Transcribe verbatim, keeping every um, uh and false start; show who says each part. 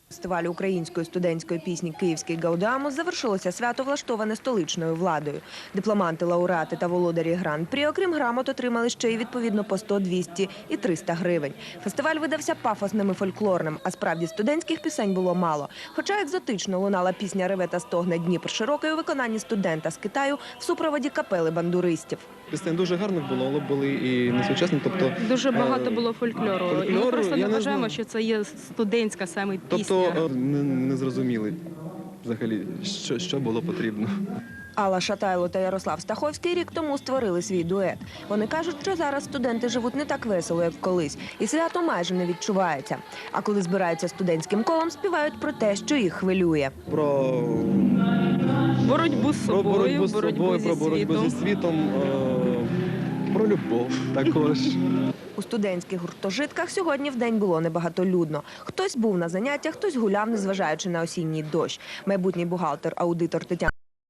Speaker 1: Фестивалю української студентської пісні «Київський Гаудамус» завершилося свято, влаштоване столичною владою. Дипломанти, лауреати та володарі гран-прі, окрім грамот, отримали ще й відповідно по сто, двісті і триста гривень. Фестиваль видався пафосним і фольклорним, а справді студентських пісень було мало. Хоча екзотично лунала пісня «Реве та стогне Дніпр широкий» у виконанні студента з Китаю в супроводі капели бандуристів.
Speaker 2: Пісень дуже гарних було, але були і несучасні. Тобто,
Speaker 3: дуже багато було фольклору.
Speaker 2: фольклору,
Speaker 3: І ми просто не
Speaker 2: не
Speaker 3: вважаємо,
Speaker 2: знаю.
Speaker 3: що це є студентська саме пісня.
Speaker 2: Тобто не, не зрозуміли взагалі, що, що було потрібно.
Speaker 1: Алла Шатайло та Ярослав Стаховський рік тому створили свій дует. Вони кажуть, що зараз студенти живуть не так весело, як колись, і свято майже не відчувається. А коли збираються студентським колом, співають про те, що їх хвилює.
Speaker 2: Про
Speaker 3: боротьбу з
Speaker 2: Про
Speaker 3: собою,
Speaker 2: боротьбу з
Speaker 3: боротьбу
Speaker 2: собою,
Speaker 3: зі
Speaker 2: про боротьбу
Speaker 3: світом.
Speaker 2: зі світом, е, про любов також.
Speaker 1: У студентських гуртожитках сьогодні вдень було небагатолюдно. Хтось був на заняттях, хтось гуляв, незважаючи на осінній дощ. Майбутній бухгалтер-аудитор Тетяна